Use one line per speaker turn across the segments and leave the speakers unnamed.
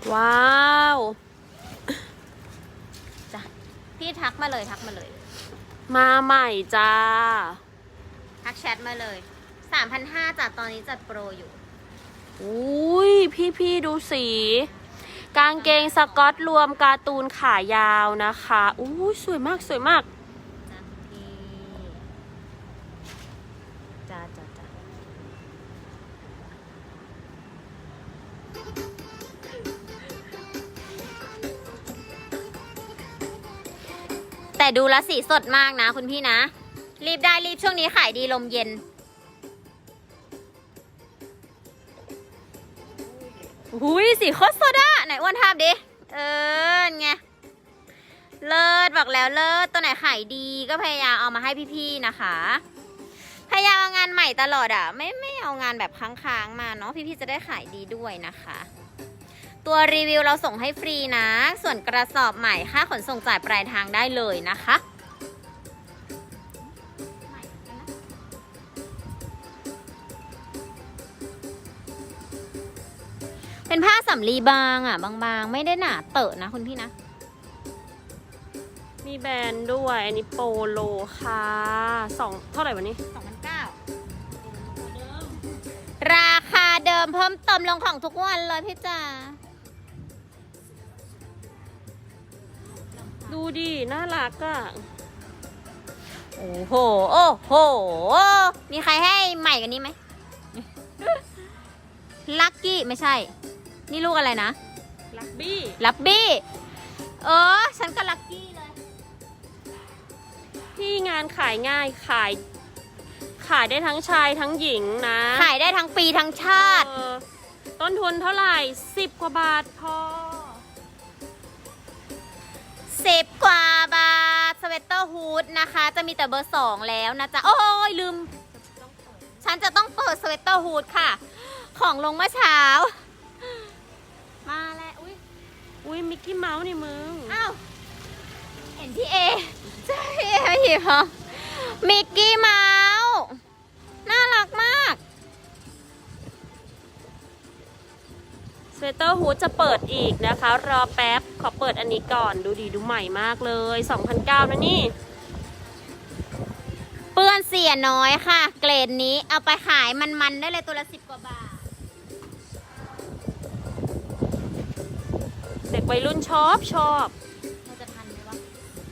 ว้าว
จ้ะพี่ทักมาเลย
มาใหม่จ้า
ทักแชทมาเลย 3,500 จากตอนนี้จัดโปรอยู่
อุ้ยพี่ดูสีกางเกงสกอตรวมการ์ตูนขายาวนะคะอุ้ยสวยมาก
จ้ะพี่จ้าแต่ดูแลสีสดมากนะคุณพี่นะรีบได้รีบช่วงนี้ขายดีลมเย็นหุยสีโคตรสดอะไหนอ้วนทาบดิไงเลิศบอกแล้วเลิศตัวไหนขายดีก็พยายามเอามาให้พี่ๆนะคะพยายามเอางานใหม่ตลอดอะไม่เอางานแบบค้างๆมาเนาะพี่ๆจะได้ขายดีด้วยนะคะตัวรีวิวเราส่งให้ฟรีนะส่วนกระสอบใหม่ค่าขนส่งจ่ายปลายทางได้เลยนะคะเป็นผ้าสำลีบางอ่ะบางๆไม่ได้หนาเตอะนะคุณพี่นะ
มีแบรนด์ด้วยอันนี้โปโลค่ะเท่าไหร่วันนี้
2,900ราคาเดิมเพิ่มเติมลงของทุกวันเลยพี่จ๋า
ดูดิน่ารักอ่ะ
โอ้โหมีใครให้ใหม่กันนี้ไหมลักกี้ไม่ใช่นี่ลูกอะไรนะ
ลักบี้
ฉันก็ลักกี้เลย
ที่งานขายง่ายขายได้ทั้งชายทั้งหญิงนะ
ขายได้ทั้งปีทั้งชาติ
ต้นทุนเท่าไหร่10 กว่าบาทพอ
10 กว่าบาทสเวตเตอร์ฮูดนะคะจะมีแต่เบอร์2แล้วนะจ๊ะโอ้ยลืมฉันจะต้องเปิดสเวตเตอร์ฮูดค่ะของลงเมื่อเช้ามาแล้ว
อุ้ยมิกกี้เมาส์นี่มึง
อ้าวเห็นพี่เอใช่พี่เอไม่เห็นเหรอมิกกี้เมาส์น่ารักมาก
สเวตเตอร์ฮูดจะเปิดอีกนะคะรอแป๊บขอเปิดอันนี้ก่อนดูดีดูใหม่มากเลย2,900นะนี่
เปื้อนเสียน้อยค่ะเกรดนี้เอาไปขายมันได้เลยตัวละ10 กว่าบาท
เด็กวัยรุ่นชอบ
เราจะทันไหมวะ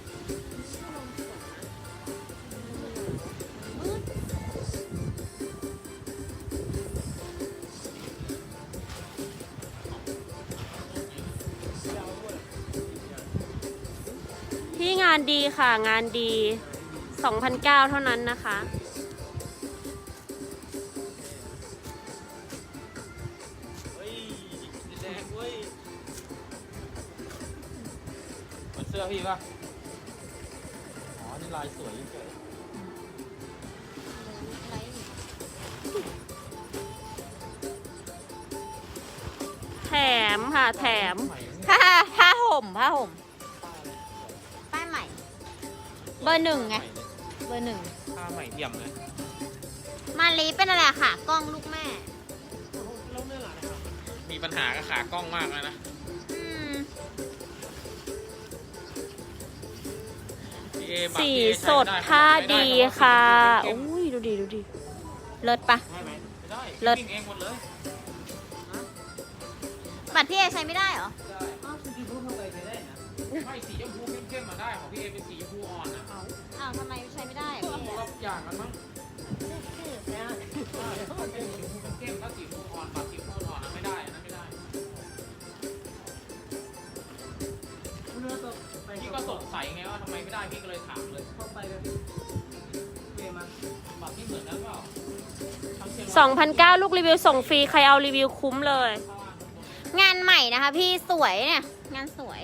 ที่งานดีค่ะงานดี2,900เท่านั้นนะคะ
เสื้อพี่ป่ะอ๋อนี่ลายสวยเฉย
แถมค่ะแถม
ผ้าห่มป้ายใหม่เบอร์ 1ไงเบอร์ 1
ผ้าใหม่เยี่ยมเลย
มาลีเป็นอะไรค่ะกล้องลูกแม่
มีปัญหากับขากล้องมากเลยนะ
สีสดผ้าดีค่ะอุ้ยดูดิ
เลิศปะเลิศบัตรพี่เอใช้ไม่ได้เหรอ
ไม่สีชมพูเข้มๆมาได้ของพี่เอเป็นสีชมพูอ่อนนะ
ทำไมใช้ไม่ได้
คนละอย่างกันมั้งสีชมพูเข้มถ้าสีชมพูอ่อนบัตรสีชมพูอ่อนไม่ได้นะไม่ได้พี่ก็สงสัยไงว่าทำไมไม่ได้พี่ก็เลยถามเลยเข้าไปเลยเปลี่ยนมาบัตรที่เหมือนกันเปล่า
2,900ลูกรีวิวส่งฟรีใครเอารีวิวคุ้มเลย
งานใหม่นะคะพี่สวยเนี่ยงานสวย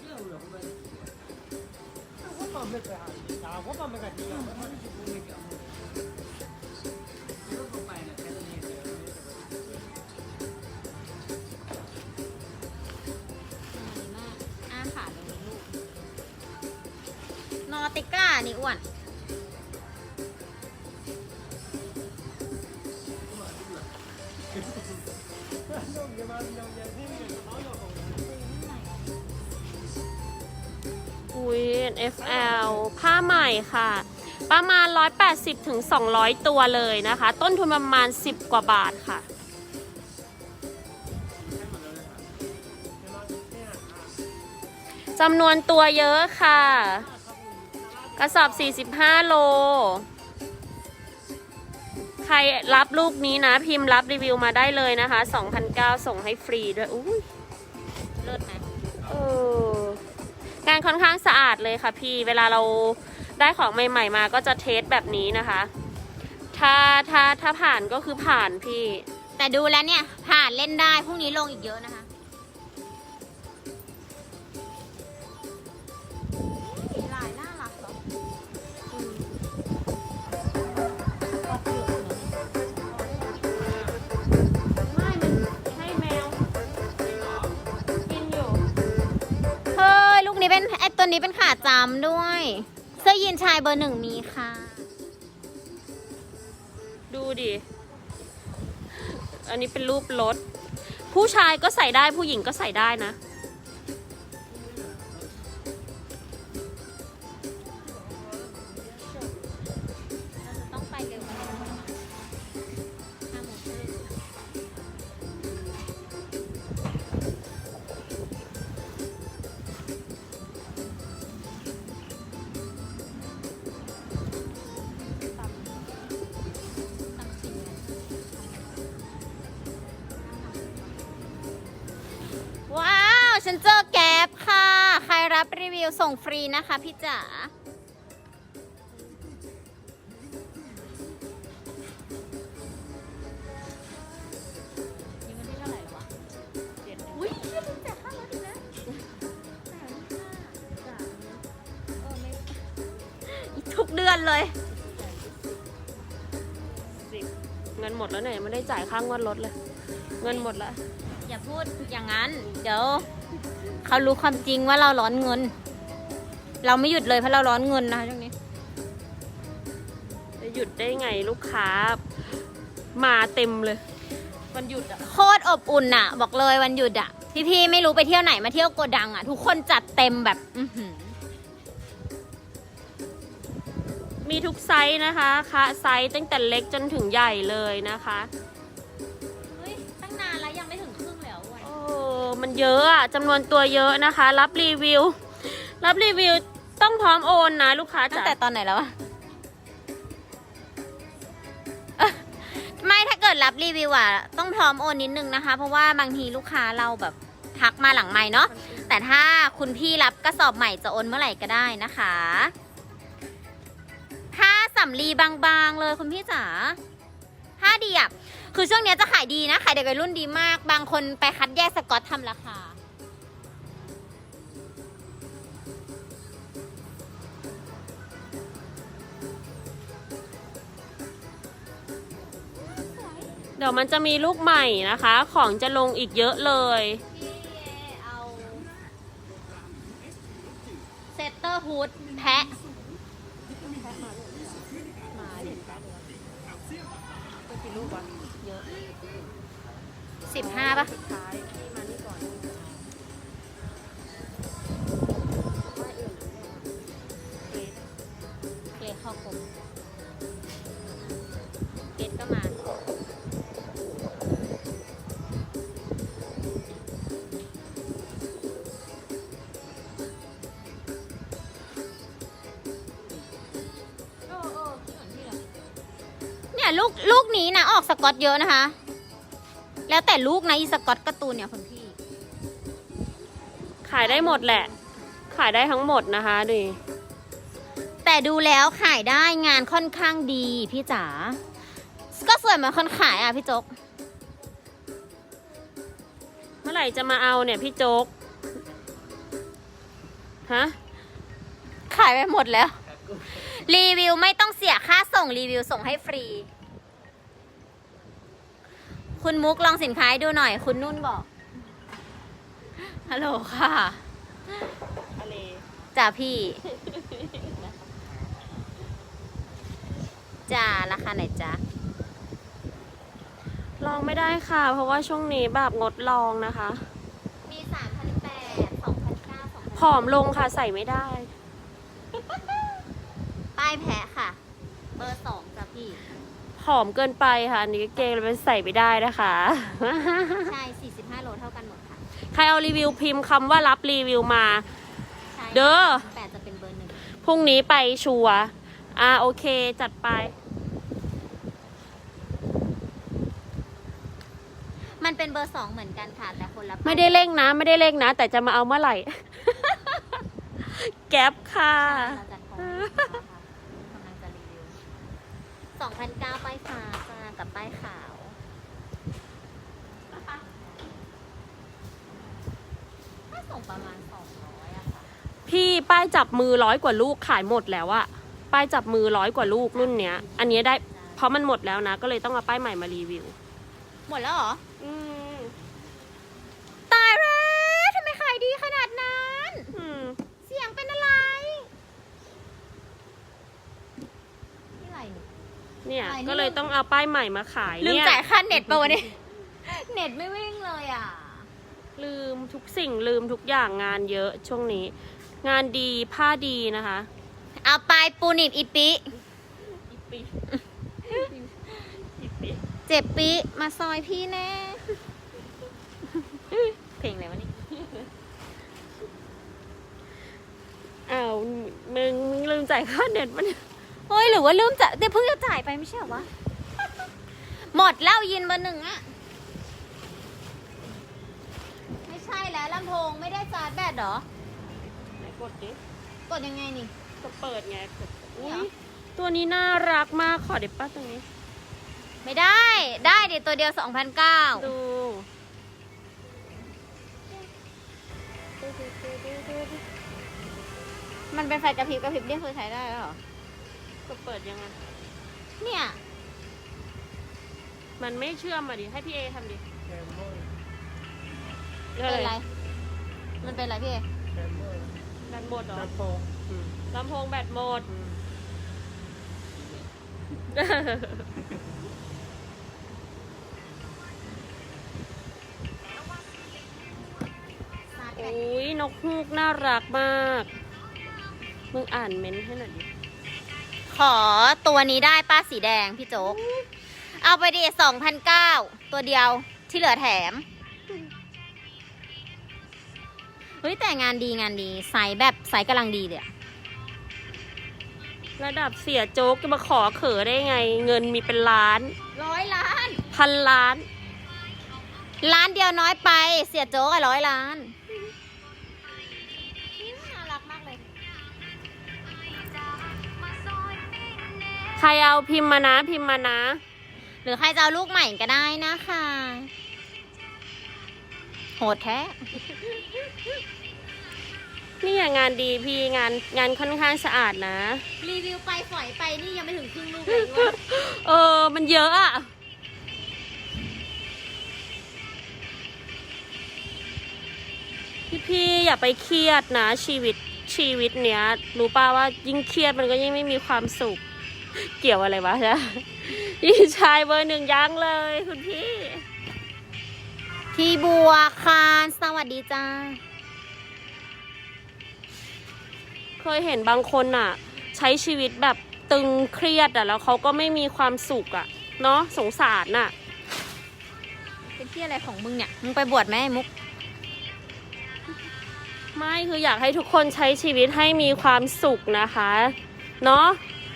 นอติก้านี่อ้วน
อุ้ย FL ผ้าใหม่ค่ะ ประมาณ 180 ถึง 200 ตัวเลยนะคะ ต้นทุนประมาณ 10 กว่าบาทค่ะ จำนวนตัวเยอะค่ะ กระสอบ 45 โล ใครรับลูกนี้นะ พิมพ์รับรีวิวมาได้เลยนะคะ 2,900 ส่งให้ฟรีด้วย อุ้ย
เลิศไหม
งานค่อนข้างสะอาดเลยค่ะพี่ เวลาเราได้ของใหม่ๆมาก็จะเทสแบบนี้นะคะ ถ้าผ่านก็คือผ่านพี่
แต่ดูแล้วเนี่ย ผ่านเล่นได้พรุ่งนี้ลงอีกเยอะนะคะลายน่ารักเหรอ
ไม่มันให้แมว กินอยู่
เฮ้ย ลูกนี้เป็นไอตัวนี้เป็นขาจำด้วย เสื้อยีนชายเบอร์ 1มีค่ะ
ดูดิ อันนี้เป็นรูปรถ ผู้ชายก็ใส่ได้ผู้หญิงก็ใส่ได้นะ
ต้องไปเร็วกว่านี้5 โมงครึ่งว้าว ฉันเจอแก๊ปค่ะ ใครรับรีวิวส่งฟรีนะคะพี่จ๋า นี่วันที่เท่าไหร่แล้ววะอุ้ยเชื่อมึงแจกข้าวแล้วดินะทุกเดือนเลย
เงินหมดแล้วเนี่ยยังไม่ได้จ่ายค่างวดรถเลย เงินหมดแล้ว
อย่าพูดอย่างนั้น เดี๋ยวเขารู้ความจริงว่าเราร้อนเงิน เราไม่หยุดเลยเพราะเราร้อนเงินนะคะช่วงนี้
จะหยุดได้ไงลูกค้า มาเต็มเลย วันหยุดอ่ะ
โคตรอบอุ่นอะบอกเลยวันหยุดอะพี่ๆไม่รู้ไปเที่ยวไหนมาเที่ยวโกดังอะทุกคนจัดเต็มแบบ
มีทุกไซส์นะคะคะไซส์ตั้งแต่เล็กจนถึงใหญ่เลยนะคะ
เฮ้ยตั้งนานแล้วยังไม่ถึงครึ่งแล้ววัน
โอ้มันเยอะอะจำนวนตัวเยอะนะคะ รับรีวิวต้องพร้อมโอนนะลูกค้า
ตั้ง
จ๋า
แต่ตอนไหนแล้วอะเอ้อไม่ถ้าเกิดรับรีวิวอะต้องพร้อมโอนนิดนึงนะคะ เพราะว่าบางทีลูกค้าเราแบบทักมาหลังไมค์เนาะแต่ถ้าคุณพี่รับกระสอบใหม่จะโอนเมื่อไหร่ก็ได้นะคะผ้าสำลีบางๆเลยคุณพี่จ๋าผ้าดีอะคือช่วงเนี้ยจะขายดีนะขายเด็กวัยรุ่นดีมากบางคนไปคัดแยกสกอตทำราคา
เดี๋ยวมันจะมีลูกใหม่นะคะ ของจะลงอีกเยอะเลย
พี่เอาเซตเตอร์ฮูดแพะ15 ป่ะ เกรดเข้าคมเกรดก็มา เนี่ยลูกนี้นะออกสกอตเยอะนะคะ แล้วแต่ลูกนะอีสกอตการ์ตูนเนี่ยคุณพี่
ขายได้หมดแหละ ขายได้ทั้งหมดนะคะดิ
แต่ดูแล้วขายได้งานค่อนข้างดีพี่จ๋า ก็สวยเหมือนคนขายอ่ะพี่โจ๊ก
เมื่อไหร่จะมาเอาเนี่ยพี่โจ๊ก ฮะ
ขายไปหมดแล้ว รีวิวไม่ต้องเสียค่าส่งรีวิวส่งให้ฟรี คุณมุกลองสินค้าให้ดูหน่อย คุณนุ่นบอก ฮัลโหลค่ะ
อะไร
จ้าพี่ จ้าราคาไหนจ้า
ลองไม่ได้ค่ะ เพราะว่าช่วงนี้แบบงดลองนะคะ
มี 3,800 2,900
ผอมลงค่ะใส่ไม่ได้
ป้ายแพ้ค่ะ เบอร์2จ้ะพี่
ผอมเกินไปค่ะอันนี้กางเกงมันใส่ไม่ได้นะคะ
ใช่45โลเท่ากันหมดค่ะ
ใครเอารีวิวพิมพ์คำว่ารับรีวิวมา
ใช่
เด้อ
8จะเป็นเบอร์
พรุ่งนี้ไปชัวร์โอเคจัดไป
1มันเป็นเบอร์2เหมือนกันค่ะ แต่คนละป้าย
ไม่ได้เร่งนะ ไม่ได้เร่งนะ แต่จะมาเอาเมื่อไหร่ แก๊ปค่ะ
เราจัดของให้ลูกค้าค่ะกำลังจะรีวิว2,900ป้ายฟ้าจ้ากับป้ายขาว ถ้าส่งประมาณ200อะค่ะ
พี่ป้ายจับมือ100 กว่าลูกขายหมดแล้วอะป้ายจับมือ100 กว่าลูกรุ่นเนี้ย อันนี้ได้เพราะมันหมดแล้วนะ ก็เลยต้องเอาป้ายใหม่มารีวิว
หมดแล้วเหรอ
อืม
ตายแล้วทำไมขายดีขนาดนั้น
อืม
เสียงเป็นอะไรนี่อะไรเนี่ย
เนี่ย
อะไรนี่
ก็เลยต้องเอาป้ายใหม่มาขาย
ลืม
เนี่ย
จ่ายค่าเน็ตปะวะเนี่ย เน็ตไม่วิ่งเลยอ่ะ
ลืมทุกสิ่งลืมทุกอย่างงานเยอะช่วงนี้ งานดีผ้าดีนะคะ
เอาไปปูนิบอีปิ
อีปีอีปี
เจ็บปิมาซอยพี่แน่ เพลงอะไรวะนี่
อ้าวมึงลืมจ่ายค่าเน็ตมันย
เฮ้ยหรือว่าลืมจะเดี๋ยวเพิ่งจะจ่ายไปไม่ใช่เหรอวะ หมดแล้วยินเบอร์ 1อะไม่ใช่แล้วลำโพงไม่ได้ชาร์จแบตเหรอ
ไหนกดดิ
กดยังไงนี่
ก็เปิดไงกด
นี่เหรอ
อุ๊ยตัวนี้น่ารักมากขอเด็ดป้าตรงนี้
ไม่ได้ ได้เดี๋ยวตัวเดียว 2,900
ดู
มันเป็นไฟกระพริบกระพริบเรียกคือใช้ได้แล้วเหรอ
ก็เปิดยังไง
เนี่ย
มันไม่เชื่อมมาดิให้พี่เอทำดิ
เป็นไร มันเป็นไรพี่เอ
แบตหมดเหรอลำโพงแบตหมด
ชาร์จแบ
โอ้
ต
ยนกฮูกน่ารักมาก มึงอ่านเม้นต์ให้หน่อยดิ
ขอตัวนี้ได้ป้าสีแดงพี่โจ๊ก เอาไปดิ2,900 ตัวเดียวที่เหลือแถม เฮ้ยแต่งานดีไซส์แบบไซส์กำลังดีเลยอะ
ระดับเสียโจ๊กจะมาขอเขอได้ไง เงินมีเป็นล้าน
100 ล้าน
พันล้าน
ล้านเดียวน้อยไป เสียโจ๊กอะ100 ล้าน น่ารักมากเลย
ใครเอาพิมพ์มานะพิมพ์มานะ
หรือใครจะเอาลูกใหม่ก็ได้นะคะ โหดแท้
นี่งานดีพี่งานค่อนข้างสะอาดนะ
รีวิวไปฝอยไปนี่ยังไม่ถึงครึ่งลูกเลยว่า
มันเยอะอะพี่อย่าไปเครียดนะชีวิตเนี้ยรู้ป่าว่ายิ่งเครียดมันก็ยิ่งไม่มีความสุข เกี่ยวอะไรวะจ๊ะพี่ชายเบอร์ 1ยังเลยคุณพี่
พี่บัวคานสวัสดีจ้า
เคยเห็นบางคนอ่ะ ใช้ชีวิตแบบตึงเครียดอ่ะแล้วเขาก็ไม่มีความสุขอ่ะเนาะสงสารน่ะ
เป็นที่อะไรของมึงเนี่ย มึงไปบวชไหมไอ้มุก
ไม่คืออยากให้ทุกคนใช้ชีวิตให้มีความสุขนะคะเนาะ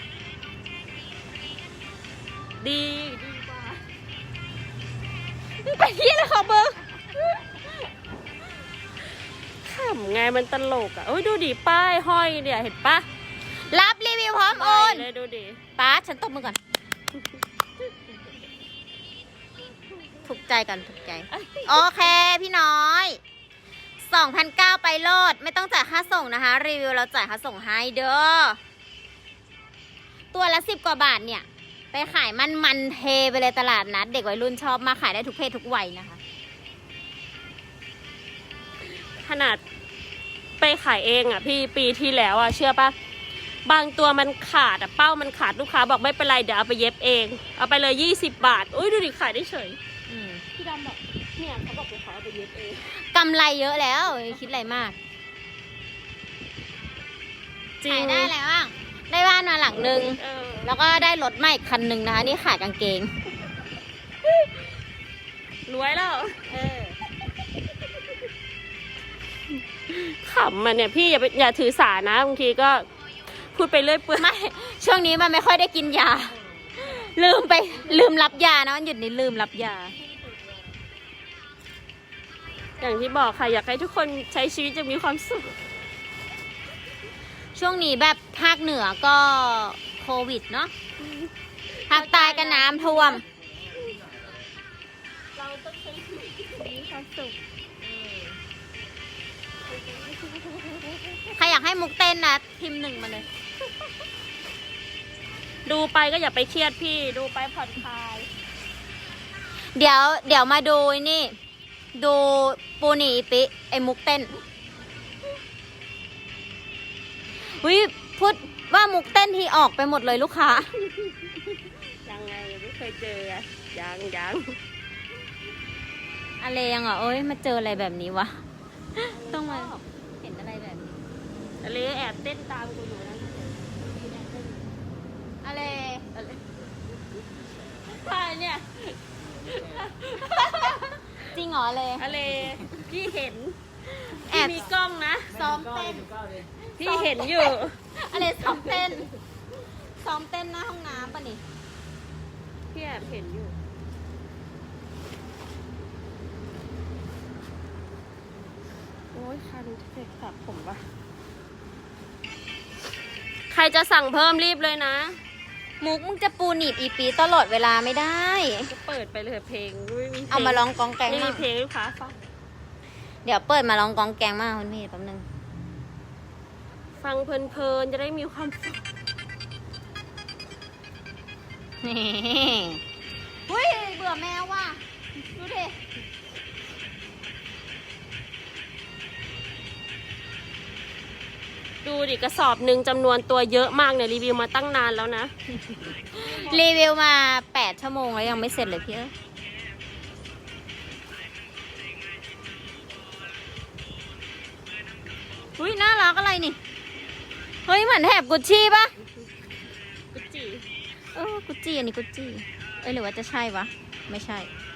ดีกว่า
มึงไปที่อะไรของมึง
ขำไงมันตลกอ่ะโอ้ยดูดิป้ายห้อยเนี่ยเห็นปะ
รับรีวิวพร้อมโอน
เลยดูดิ
ป้าฉันตบมือก่อน ถูกใจกันถูกใจ โอเคพี่น้อย 2,900 ไปโลด ไม่ต้องจ่ายค่าส่งนะคะ รีวิวเราจ่ายค่าส่งให้เด้อ ตัวละ10 กว่าบาทเนี่ย ไปขายมันเทไปเลยตลาดนัด เด็กวัยรุ่นชอบมาขายได้ทุกเพศทุกวัยนะคะ
ขนาดไปขายเองอ่ะพี่ปีที่แล้วอ่ะเชื่อปะบางตัวมันขาดอ่ะเป้ามันขาดลูกค้าบอกไม่เป็นไรเดี๋ยวเอาไปเย็บเองเอาไปเลย20 บาทอุ้ยดูดิขายได้เฉย
อืม
พี่ดำบอกเนี่ยเขาบอกเดี๋ยวเขาเอาไปเย็บเอง
กำไรเยอะแล้วคิดอะไรมาก
จริง
ขายได้อะไรบ้างได้บ้านมาหลังนึง
เออ
แล้วก็ได้รถใหม่คันหนึ่งนะคะนี่ขายกางเกง
รวยแล้ว
เออ
ขำมันเนี่ยพี่อย่าถือสานะบางทีก็พูดไปเรื่อยเปื่อย
ไม่ช่วงนี้มันไม่ค่อยได้กินยา ลืมรับยานะวันหยุดนี้ลืมรับยา
อย่างที่บอกค่ะอยากให้ทุกคนใช้ชีวิตจะมีความสุข
ช่วงนี้แบบภาคเหนือก็โควิดเนาะภาคใต้ก็น้ำท่วม
เราต้องใช้ชีวิตมีความสุข
ใครอยากให้มุกเต้นนะพิมพ์ 1มาเลย
ดูไปก็อย่าไปเครียดพี่ดูไปผ่อนคลาย
เดี๋ยวมาดูนี่ ดูปูหนีอีปิไอ้มุกเต้นวิพูดว่ามุกเต้นที่ออกไปหมดเลยลูกค้า
ยังไงไม่เคยเจออะยัง
อะไรยังอ่ะเอ้ยมาเจออะไรแบบนี้วะ ต้องมาเห็นอะไรแบบนี้
อะไรแอบเต้นตามกูอยู่นะ
อะไร
ใช่เนี่ย
จริงเหรอเลย
อะไรพี่เห็น
แอ
พี่
บ
มีกล้องนะ
ซ้อมเต้น
พี่เห็นอยู่
อะไรซ้อมเต้นซ้อมเต้นหน้าห้องน้ำป่ะนี่
พี่แอบเห็นอยู่โอ้ยคันเจ็บสับผมปะใครจะสั่งเพิ่มรีบเลยนะ
มุกมึงจะปูหนีบอีปีตลอดเวลาไม่ได้
ก็เปิดไปเลยเพลงไม่มีเพลง
เอามาร้องกองแกง
ไม่มี
มาก
เพลงให้ลูกค้าฟัง
เดี๋ยวเปิดมาร้องกองแกงมากคุณพี่แป๊บนึง
ฟังเพลินๆจะได้มีความสุข
เฮ้ยเบื่อแมวว่ะดูดิ
ดูดิกระสอบหนึ่งจำนวนตัวเยอะมากเนี่ยรีวิวมาตั้งนานแล้วนะ
รีวิวมา8 ชั่วโมงแล้วยังไม่เสร็จเลยพี่เอ้ยอุ้ยน่ารักอะไรนี่ เฮ้ยเหมือนแถบกุชชี่ปะ
กุจิ
กุชชี่อันนี้กุชชี่เอ้ยหรือว่าจะใช่วะ ไม่ใช่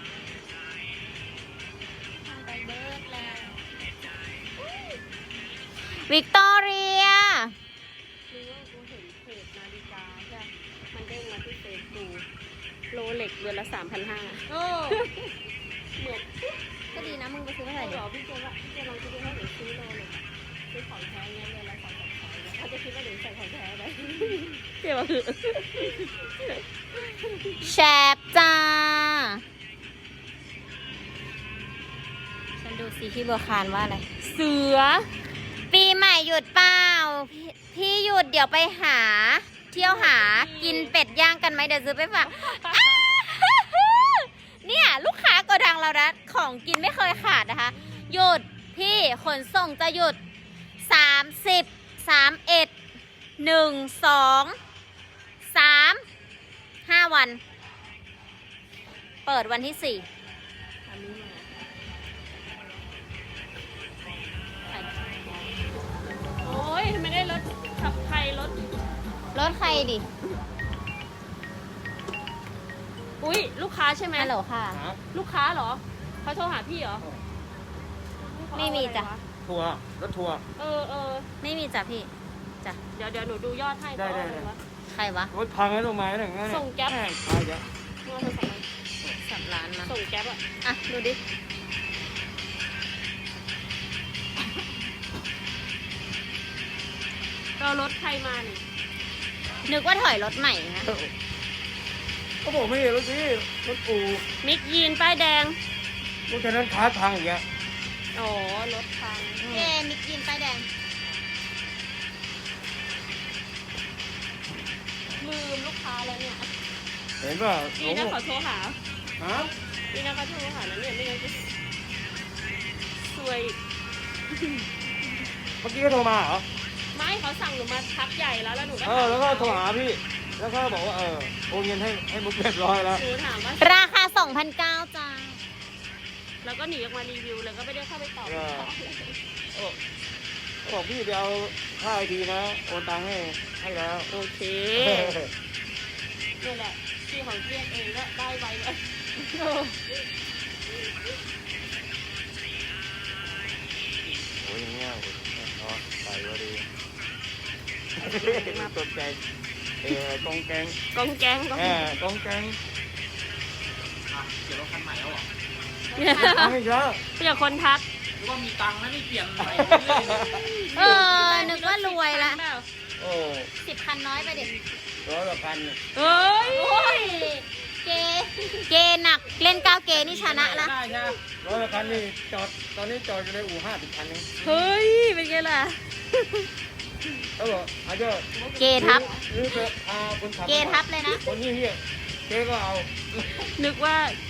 วิกตอเรีย
รู้ว่ากูเห็นเพจนาฬิกาใช่มันเด้งมาที่เฟซกูโลเล็กเดือนละ 3,500
โอ้
เหมือน
ก็ดีนะมึงไปซื้อมา
ใคร
ใส่
บ
ดิ
อกพี่เจว่าพี่เจลองคิดดูให้หนูซื้อโลเล็กซื้อของแท้เงี้ยเดือนละ2-3,000เขาจะคิดว่าหนูใส่ของแท้ไหมเจ๊ว่าคือ
แชบจ้า ฉันดูสิพี่บัวคารว่าอะไร
เสือ
ปีใหม่หยุดเปล่าพี่หยุดเดี๋ยวไปหา เที่ยวหากินเป็ดย่างกันไหมเดี๋ยวซื้อไปฝาก เนี่ยลูกค้าโกดังเรานะของกินไม่เคยขาดนะคะ หยุดพี่ขนส่งจะหยุด 30 31 1 2 3 5 วัน เปิดวันที่ 4
อันนี้มาโอ้ยไม่ได้รถขับใครรถ
รถใครดิ
อุ้ยลูกค้าใช่ไหม
ฮัลโหลค่ะ
ลูกค้าเหรอเขาโทรหาพี่เหรอ
ไม่มีจ้ะ
ทัวร์รถทัวร์
เออ
ไม่มีจ้ะพี่
เดี๋ยวหนูดูยอดให้
ได้
เขาเอาอะไรวะ
ใครวะ
รถพังแล้วลงมาอย่างนั้น
ส่งแก๊ป
ตายแล้ว
เอาโทรศัพท์มา
3 ล้านมา
ส่งแก๊ปอะ
อ่ะ ดูดิ
เรารถใครมานี่
นึกว่าถอยรถใหม่นะ
ก็บอกไม่เห็นรถสิรถอู
มิกยีนป้ายแดง
รถคันนั้นคาร์ทพังอย่างเงี้ย
อ๋อรถพัง
เอ๊มิกยินป้ายแดง
ลืมลูกค้าแล้วเนี่ย
เห็นป่ะ
นี่นะขอโทรหา
ฮะ
นี่นะเขาโทรหาแล้วเนี่ยไม่งั้นจะสวย
เมื่อกี้ก็โทรมาเหรอ
ไม่เขาสั่งหนูมาทักใหญ่แล้วแล้วหนูก็
แล้วก็โทรหาพี่ แล้วก็บอกว่าโอนเงินให้มุกเรียบร้อยแล้ว
หนูถามว่า
ราคา 2,900จ้า
แล้วก็หนีออกมารีวิวเลยก็ไม่ได้เข้าไปตอบ
เออ
บอกพี่ไปเอาค่าไอทีนะโอนตังค์ให้แล้ว
โอเคนี่แหละที่ของเกียนเองก็ได้ไวเลย
โอ้ยอย่างเงี้ยเนาะใส่ก็ดีมาตกใจกองแกง
กองแกงกองแกง
กองแกง
อ่ะเดี๋ยวรถคันใหม่แล้วเหรอ
ไม่เยอะ
เพื่อคนทัก
หรือว่ามีตังค์นะนี่เปลี่ยนใหม่เรื่อยๆ
เออ นึกว่ารวยละ
โอ้
10 คันน้อยไปเด็ก
100 กว่าพัน
เฮ้ย
โอ้ย เกหนัก เล่น9เกนี่ชนะนะ
ได้ใช่ไหม
100 กว่าพันนี่จอดตอนนี้จอดอยู่ในอู่50 คันนึง
เฮ้ย เป็นไงล่ะ
เขาบอกอาจจะ
เกทับ
หรือจะพาคนขับ
เกทับเลยนะ
คนนี้เฮียเจ๊ก็เอา
นึกว่า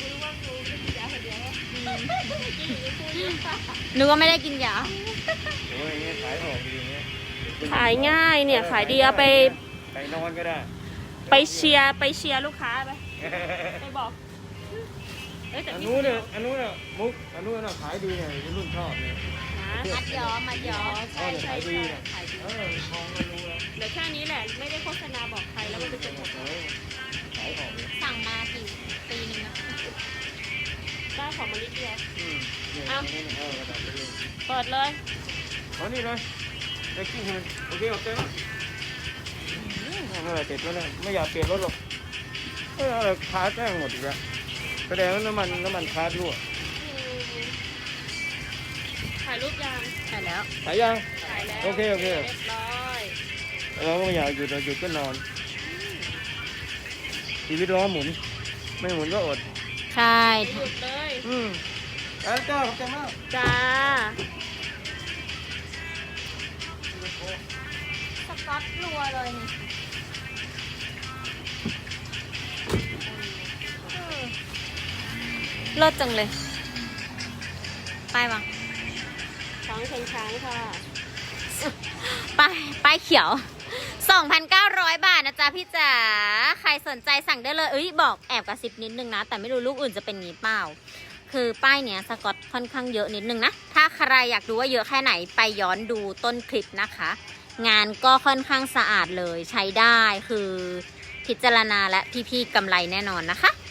นึกว่าไม่ได้กินยา
โอ้ยอย่างเงี้ยขายออกดีอย่างเงี้ย
ขายง่ายเนี่ย ขายดีเอาไป
ไปนอนก็ได้
ไปเชียร์ลูกค้าไปไปบอกเอ้ยแต่
อัน
พี่
นู้นเนี่ยอันนู้นเนี่ยมุกอันนู้นน่ะขายดีเนี่ยวัยรุ่นชอบเนี่ย
นะ
มัดย้อมมัดย้อม
ใช่ใช่
ขายดี
ใช่
เนี่ย
ขายดี
ทองไม่รู้แล้ว
เดี๋ยวแค่นี้แหละ ไม่ได้โฆษณาบอกใครแล้วมันจะหมด
ขายออกเลย
สั่งมากี่ปีนึงนะ
ได้ของมานิดเดียว
เนี่ย
อ้าว
นี่กระดาษไปเลย
เปิดเลย
เอานี่เลยได้กิ้งให้มันโอเคโอเคมั้ยเมื่อไหร่ติดแล้วเนี่ยไม่อยากเปลี่ยนรถหรอกอะไรคาแจ้งหมดอีกแล้วแสดงว่าน้ำมันคารั่ว
ถ่ายรูปยัง
ใช่แล้ว
หายยัง
ถ่ายแล้ว
โอเคโอเค
เรียบร้อย
เราก็ไม่อยากหยุดเราหยุดก็นอน ชีวิตล้อหมุน ไม่หมุนก็อด
ใช่
หยุดเลย
แล้วเจ้าขอบใจมาก
จ้า
สก๊อตรัวเลยนี่เลิศจังเลย ไปวาง
ช้างเชิงช้างค่ะ
ป้ายเขียว 2,900 บาทนะจ๊ะพี่จ๋า ใครสนใจสั่งได้เลย บอกแอบกระซิบนิดนึงนะ แต่ไม่รู้ลูกอื่นจะเป็นงี้เปล่า คือป้ายเนี้ยสกอตค่อนข้างเยอะนิดนึงนะ ถ้าใครอยากดูว่าเยอะแค่ไหนไปย้อนดูต้นคลิปนะคะ งานก็ค่อนข้างสะอาดเลยใช้ได้คือพิจารณาและพี่ๆกำไรแน่นอนนะคะ